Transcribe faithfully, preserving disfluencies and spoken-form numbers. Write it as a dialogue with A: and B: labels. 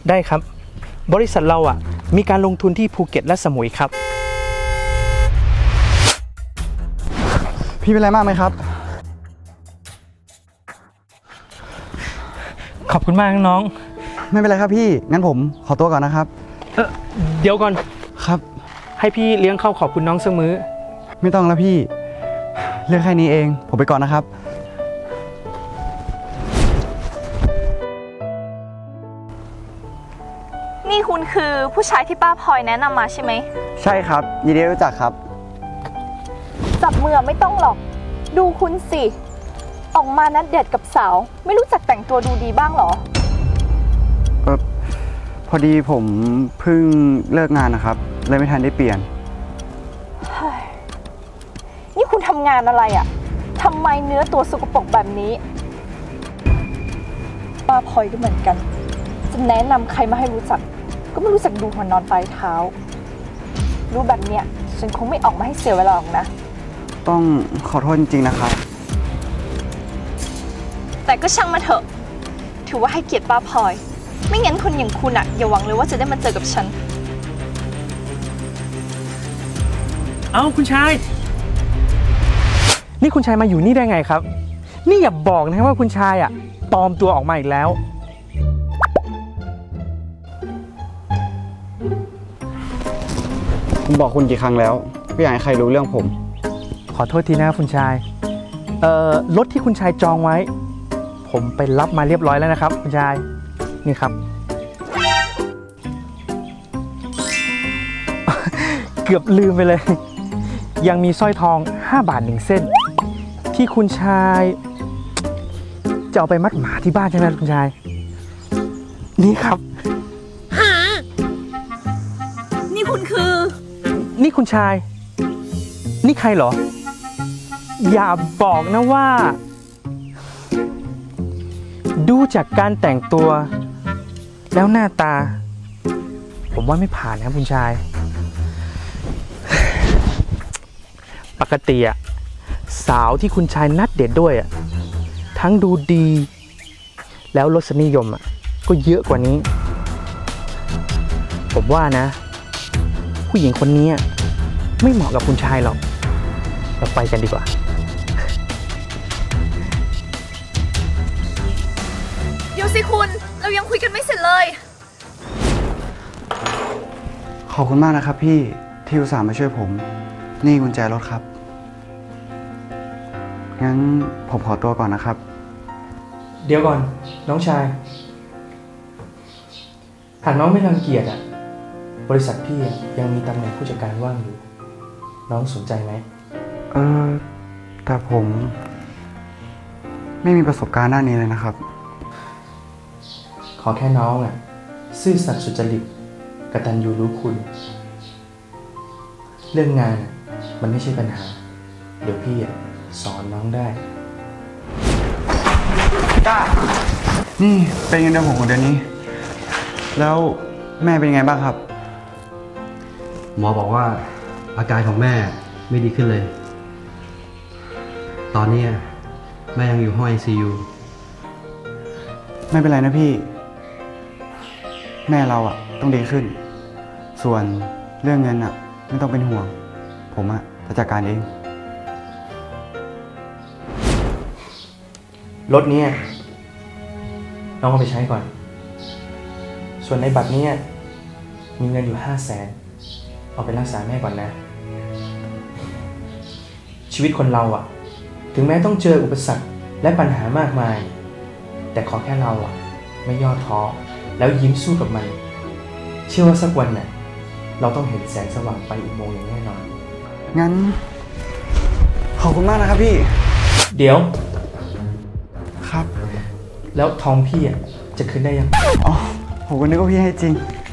A: ได้ครับบริษัทเราอ่ะมีการลงทุนที่ภูเก็ตและสมุยครับ
B: พี่เป็นไรมากไหมครับ
A: ขอบคุณมากน้อง
B: ไม่เป็นไรครับพี่งั้นผมขอตัวก่อนนะครับ
A: เออเดี๋ยวก่อน
B: ครับ
A: ให้พี่เลี้ยงข้าวขอบคุณน้องสักมื้อ
B: ไม่ต้องแล้วพี่เรื่องแค่นี้เองผมไปก่อนนะครับ
C: นี่คุณคือผู้ชายที่ป้าพลอยแนะนำมาใช่ไหม
B: ใช่ครับยินดีรู้จักครับ
C: จับมือไม่ต้องหรอกดูคุณสิออกมานัดเดทกับสาวไม่รู้จักแต่งตัวดูดีบ้างหรอ
B: เออพอดีผมเพิ่งเลิกงานนะครับเลยไม่ทันได้เปลี่ยน
C: นี่คุณทำงานอะไรอะทำไมเนื้อตัวสกปรกแบบนี้ป้าพลอยก็เหมือนกันจะแนะนำใครมาให้รู้จักก็ไม่รู้จักดูหัวนอนปลายเท้ารู้แบบเนี้ยฉันคงไม่ออกมาให้เสียเวลาหรอกนะ
B: ต้องขอโทษจริงๆนะครับ
C: แต่ก็ช่างมาเถอะถือว่าให้เกียรติป้าพลอยไม่งั้นคนอย่างคุณอะอย่าหวังเลยว่าจะได้มาเจอกับฉัน
A: เอ้าคุณชายนี่คุณชายมาอยู่นี่ได้ไงครับนี่อย่าบอกนะว่าคุณชายอ่ะปลอมตัวออกมาอีกแล้ว
B: ผมบอกคุณกี่ครั้งแล้วไม่อยากให้ใครรู้เรื่องผม
A: ขอโทษทีนะคุณชายเอ่อรถที่คุณชายจองไว้ผมไปรับมาเรียบร้อยแล้วนะครับคุณชายนี่ครับ เกือบลืมไปเลยยังมีสร้อยทองห้าบาทหนึ่งเส้นที่คุณชายจะเอาไปมัดหมาที่บ้านใช่ไหมคุณชายนี่ครับ
C: นี่คุณคือ
A: นี่คุณชายนี่ใครเหรออย่าบอกนะว่าดูจากการแต่งตัวแล้วหน้าตาผมว่าไม่ผ่านนะคุณชายปกติอะสาวที่คุณชายนัดเดทด้วยอะทั้งดูดีแล้วรสนิยมอะก็เยอะกว่านี้ผมว่านะผู้หญิงคนนี้ไม่เหมาะกับคุณชายหรอกเราไปกันดีกว่า
C: เดี๋ยวสิคุณเรายังคุยกันไม่เสร็จเลย
B: ขอบคุณมากนะครับพี่ที่อุตส่าห์มาช่วยผมนี่กุญแจรถครับงั้นผมขอตัวก่อนนะครับ
A: เดี๋ยวก่อนน้องชายหากน้องไม่รังเกียจอ่ะบริษัทพี่ยังมีตำแหน่งผู้จัดการว่างอยู่น้องสนใจไหม
B: เออแต่ผมไม่มีประสบการณ์ด้านนี้เลยนะครับ
A: ขอแค่น้องอ่ะซื่อสัตย์สุจริตกตัญญูรู้คุณเรื่องงานมันไม่ใช่ปัญหาเดี๋ยวพี่สอนน้องได้
B: ก้านี่เป็นเงินเดือนผมของเดือนนี้แล้วแม่เป็นยังไงบ้างครับ
D: หมอบอกว่าอาการของแม่ไม่ดีขึ้นเลยตอนนี้แม่ยังอยู่ห้อง ไอ ซี ยู
B: ไม่เป็นไรนะพี่แม่เราอะต้องดีขึ้นส่วนเรื่องเงินอะไม่ต้องเป็นห่วงผมอะจะจัดการเอง
A: รถนี้น้องเอาไปใช้ก่อนส่วนในบัตรนี้มีเงินอยู่ห้าแสนเอาไปรักษาแม่ก่อนนะชีวิตคนเราอะถึงแม้ต้องเจออุปสรรคและปัญหามากมายแต่ขอแค่เราอะไม่ย่อท้อแล้วยิ้มสู้กับมันเชื่อว่าสักวันน่ะเราต้องเห็นแสงสว่างไปอุโมงค์อย่างแน่นอน
B: งั้นขอบคุณมากนะครับพี่
A: เดี๋ยว
B: ครับ
A: แล้วทองพี่อ่ะจะคืนได้ยัง
B: อ๋อผมก็นึกว่าพี่ให้จริง